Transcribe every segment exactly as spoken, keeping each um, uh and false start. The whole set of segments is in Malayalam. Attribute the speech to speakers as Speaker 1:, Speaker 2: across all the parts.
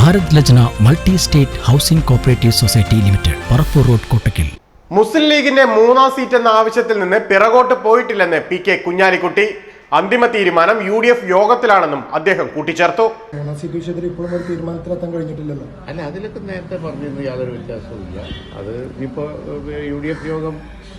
Speaker 1: Bharat Lajna multi state housing cooperative society limited, Parappur road, Kottakkal.
Speaker 2: Muslim ലീഗിന്റെ മൂന്നാം സീറ്റ് എന്ന ആവശ്യത്തിൽ നിന്ന് പിറകോട്ട് പോയിട്ടില്ലെന്ന് പി കെ കുഞ്ഞാലിക്കുട്ടി. അന്തിമ തീരുമാനം യു ഡി എഫ് യോഗത്തിലാണെന്നും അദ്ദേഹം കൂട്ടിച്ചേർത്തു.
Speaker 3: മൂന്നാം സീറ്റ് വിഷയത്തിൽ ഇപ്പോഴും ഒരു തീരുമാനത്തിലെത്താൻ കഴിഞ്ഞിട്ടില്ലല്ലോ.
Speaker 4: അല്ല, അതിലൊക്കെ നേരത്തെ പറഞ്ഞിരുന്നു, യാതൊരു വ്യത്യാസവുമില്ല. അത് ഇപ്പോൾ യു ഡി എഫ് യോഗം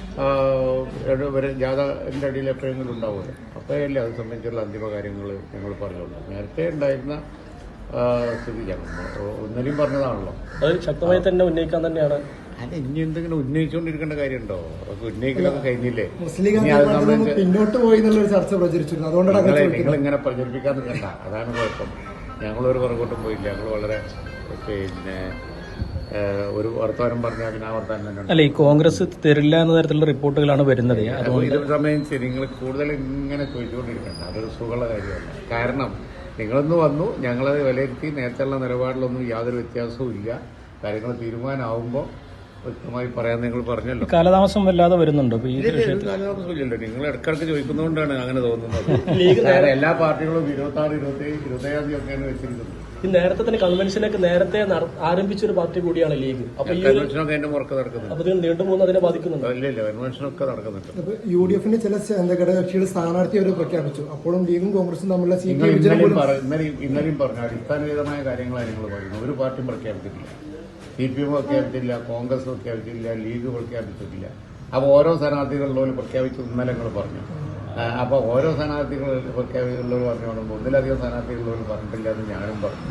Speaker 4: ജാഥന്റെ അടിയിൽ എപ്പോഴെങ്കിലും ഉണ്ടാവുമല്ലോ, അപ്പോഴല്ലേ അത് സംബന്ധിച്ചുള്ള അന്തിമ കാര്യങ്ങൾ ഞങ്ങൾ പറഞ്ഞോളൂ. നേരത്തെ ഉണ്ടായിരുന്ന സ്ഥിതി ഞങ്ങൾ ഒന്നിനും പറഞ്ഞതാണല്ലോ,
Speaker 5: അത് ശക്തമായി തന്നെ ഉന്നയിക്കാൻ തന്നെയാണ്.
Speaker 4: അല്ല, ഇനി എന്തെങ്കിലും ഉന്നയിച്ചുകൊണ്ടിരിക്കേണ്ട കാര്യമുണ്ടോ? ഉന്നയിക്കലൊക്കെ കഴിഞ്ഞില്ലേ?
Speaker 3: പിന്നോട്ട് പോയി എന്നുള്ളൊരു ചർച്ച പ്രചരിച്ചിരുന്നു, അതുകൊണ്ടാണ്
Speaker 4: നിങ്ങൾ ഇങ്ങനെ പ്രചരിപ്പിക്കാൻ നിൽക്കണ്ട. അതാണ് കുഴപ്പം. ഞങ്ങളൊരു പുറകോട്ടും പോയില്ല. ഞങ്ങൾ വളരെ പിന്നെ ഒരു വർത്തമാനം പറഞ്ഞാൽ പിന്നെ ആ വർത്തമാനം തന്നെ.
Speaker 5: അല്ല, ഈ കോൺഗ്രസ് തരില്ല എന്ന തരത്തിലുള്ള റിപ്പോർട്ടുകളാണ് വരുന്നത്.
Speaker 4: ഇത് സംബന്ധിച്ച് നിങ്ങൾ കൂടുതൽ ഇങ്ങനെ ചോദിച്ചുകൊണ്ടിരിക്കണ്ട. അതൊരു സുഖമുള്ള കാര്യമല്ല. കാരണം നിങ്ങളൊന്ന് വന്നു, ഞങ്ങളത് വിലയിരുത്തി. നേരത്തെയുള്ള നിലപാടിലൊന്നും യാതൊരു വ്യത്യാസവും ഇല്ല. കാര്യങ്ങൾ തീരുമാനമാകുമ്പോൾ വ്യക്തമായി പറയാൻ നിങ്ങൾ പറഞ്ഞല്ലോ.
Speaker 5: കാലതാമസം വല്ലാതെ വരുന്നുണ്ടോ?
Speaker 4: കാലതാമസമില്ലല്ലോ. നിങ്ങൾ ഇടക്കിടക്ക് ചോദിക്കുന്നതുകൊണ്ടാണ് അങ്ങനെ തോന്നുന്നത്. എല്ലാ പാർട്ടികളും ഇരുപത്തി ആറ് ഇരുപത്തി ഏഴ് ഇരുപത്തി ഏഴാം തീയതി ഒക്കെയാണ് വെച്ചിരിക്കുന്നത്.
Speaker 5: ഈ നേരത്തെ തന്നെ കൺവെൻഷനൊക്കെ നേരത്തെ ആരംഭിച്ചൊരു പാർട്ടി കൂടിയാണ് ലീഗ്. അപ്പൊ ഈ
Speaker 4: കൺവെൻഷനൊക്കെ അതിന്റെ മുറക്ക് നടക്കുന്നുണ്ട്.
Speaker 5: അപ്പൊ നീണ്ടു പോകുന്ന അതിനെ ബാധിക്കുന്നുണ്ടോ?
Speaker 4: ഇല്ല ഇല്ല, കൺവെൻഷനൊക്കെ നടക്കുന്നുണ്ട്.
Speaker 3: യു ഡി എഫിന്റെ ചില ഘടകകക്ഷികൾ സ്ഥാനാർത്ഥി അവർ പ്രഖ്യാപിച്ചു. അപ്പോഴും ലീഗും കോൺഗ്രസും തമ്മിലുള്ള സീറ്റ്
Speaker 4: ഇന്നലെയും പറഞ്ഞു അടിസ്ഥാനപരമായ കാര്യങ്ങളാണ് നിങ്ങൾ പറയുന്നത്. ഒരു പാർട്ടിയും പ്രഖ്യാപിച്ചിട്ടില്ല. സി പി എം പ്രഖ്യാപിച്ചില്ല, കോൺഗ്രസ് പ്രഖ്യാപിച്ചില്ല, ലീഗ് പ്രഖ്യാപിച്ചിട്ടില്ല. അപ്പോൾ ഓരോ സ്ഥാനാർത്ഥികളിലും പ്രഖ്യാപിച്ചു ഇന്നലെ നിങ്ങൾ പറഞ്ഞു. അപ്പോൾ ഓരോ സ്ഥാനാർത്ഥികൾ പ്രഖ്യാപിച്ചുള്ളവർ പറഞ്ഞു കൊണ്ടുമ്പോൾ ഒന്നിലധികം സ്ഥാനാർത്ഥികളുള്ളവർ പറഞ്ഞിട്ടില്ല എന്ന് ഞാനും പറഞ്ഞു.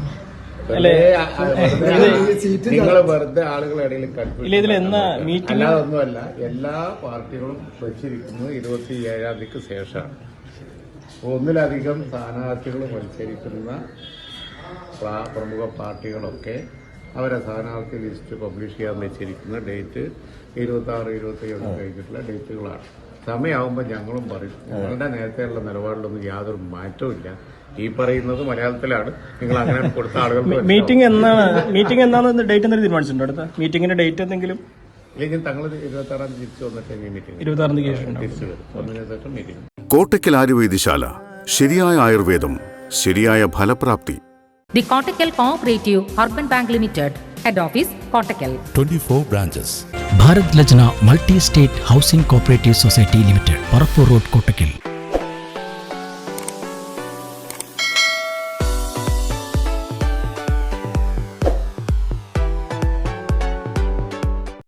Speaker 4: നിങ്ങൾ വെറുതെ ആളുകളുടെ ഇടയിൽ കൺഫ്യൂഷൻ. അല്ലാതെ ഒന്നുമല്ല, എല്ലാ പാർട്ടികളും വെച്ചിരിക്കുന്നത് ഇരുപത്തി ഏഴാം തീയതിക്ക് ശേഷമാണ്. ഒന്നിലധികം സ്ഥാനാർത്ഥികൾ മത്സരിക്കുന്ന പ്രമുഖ പാർട്ടികളൊക്കെ അവരെ സ്ഥാനാർത്ഥി ലിസ്റ്റ് പബ്ലിഷ് ചെയ്യാൻ വെച്ചിരിക്കുന്ന ഡേറ്റ് ഇരുപത്തി ആറ് ഇരുപത്തി ഏഴ് കഴിഞ്ഞിട്ടുള്ള ഡേറ്റുകളാണ്. സമയമാകുമ്പോൾ ഞങ്ങളും പറയും. ഞങ്ങളുടെ നേരത്തെയുള്ള നിലപാടിലൊന്നും യാതൊരു മാറ്റവും ഇല്ല. ഈ പറയുന്നത് മലയാളത്തിലാണ്. നിങ്ങൾ അങ്ങനെ കൊടുത്ത ആളുകൾക്ക്
Speaker 5: മീറ്റിംഗ് എന്നാണ് മീറ്റിംഗ് എന്നാണ് ഡേറ്റ് എന്തെങ്കിലും തീരുമാനിച്ചിട്ടുണ്ടോ? അടുത്ത മീറ്റിംഗിന്റെ ഡേറ്റ് എന്തെങ്കിലും
Speaker 4: ഇല്ലെങ്കിൽ തങ്ങൾ ഇരുപത്തി ആറാം തീയതി തിരിച്ചു വന്നിട്ട് മീറ്റിംഗ്
Speaker 5: ഇരുപത്തി ആറാം തീയതി
Speaker 4: തിരിച്ചു വരും. ഒന്നിനു ശേഷം മീറ്റിംഗ്.
Speaker 6: കോട്ടക്കൽ ആയുർവേദശാല, ശരിയായ ആയുർവേദം, ശരിയായ ഫലപ്രാപ്തി.
Speaker 7: The Kottakkal Cooperative Urban Bank Limited, Head Office, Kottakkal.
Speaker 1: twenty-four branches. Bharat Lajna multi state housing cooperative society limited, Parappur road, Kottakkal.